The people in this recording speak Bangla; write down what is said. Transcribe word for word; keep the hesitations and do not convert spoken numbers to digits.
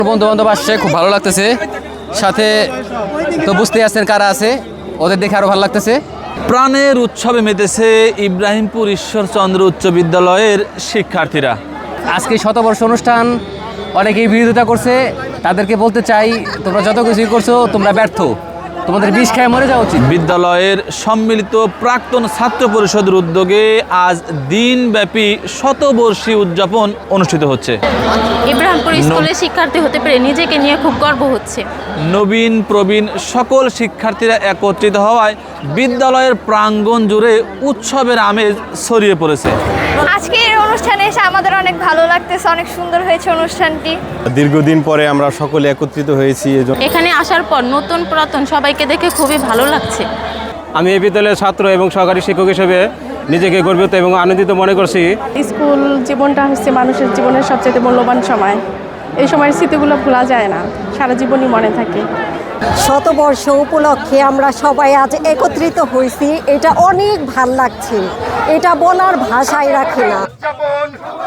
বন্ধু বান্ধব আসছে, খুব ভালো লাগতেছে। সাথে তো বুঝতেই আছেন কারা আছে, ওদের দেখে আরো ভালো লাগতেছে। প্রাণের উৎসবে মেতেছে ইব্রাহিমপুর ঈশ্বরচন্দ্র উচ্চ বিদ্যালয়ের শিক্ষার্থীরা। আজকে শতবর্ষ অনুষ্ঠান অনেকেই বিরোধিতা করছে, তাদেরকে বলতে চাই তোমরা যত কিছুই করছো তোমরা ব্যর্থ, তোমাদের বিষ খায় মরে যাওয়া উচিত। বিদ্যালয়ের সম্মিলিত প্রাক্তন ছাত্র পরিষদের উদ্যোগে আজ দিনব্যাপী শতবর্ষী উদযাপন অনুষ্ঠিত হচ্ছে। ইব্রাহিমপুর স্কুলের শিক্ষার্থী হতে পেরে নিজেকে নিয়ে খুব গর্ব হচ্ছে। নবীন প্রবীণ সকল শিক্ষার্থীরা একত্রিত হওয়ায় বিদ্যালয়ের প্রাঙ্গণ জুড়ে উৎসবের আমেজ ছড়িয়ে পড়েছে। আজকে এই অনুষ্ঠানে এসে আমাদের অনেক ভালো লাগতেছে, অনেক সুন্দর হয়েছে অনুষ্ঠানটি। দীর্ঘদিন পরে আমরা সকলে একত্রিত হয়েছি। এখানে আসার পর নতুন পুরাতন সবাইকে দেখে খুবই ভালো লাগছে। আমি এই বিদ্যালয়ের ছাত্র এবং সহকারী শিক্ষক হিসেবে নিজেকে গর্বিত এবং আনন্দিত মনে করছি। স্কুল জীবনটা হচ্ছে মানুষের জীবনের সবচেয়ে মূল্যবান সময়। এই সময়ের স্মৃতিগুলো ভোলা যায় না, সারা জীবনই মনে থাকে। শতবর্ষ উপলক্ষে আমরা সবাই আজ একত্রিত হয়েছি, এটা অনেক ভাল লাগছে, এটা বলার ভাষায় রাখে না।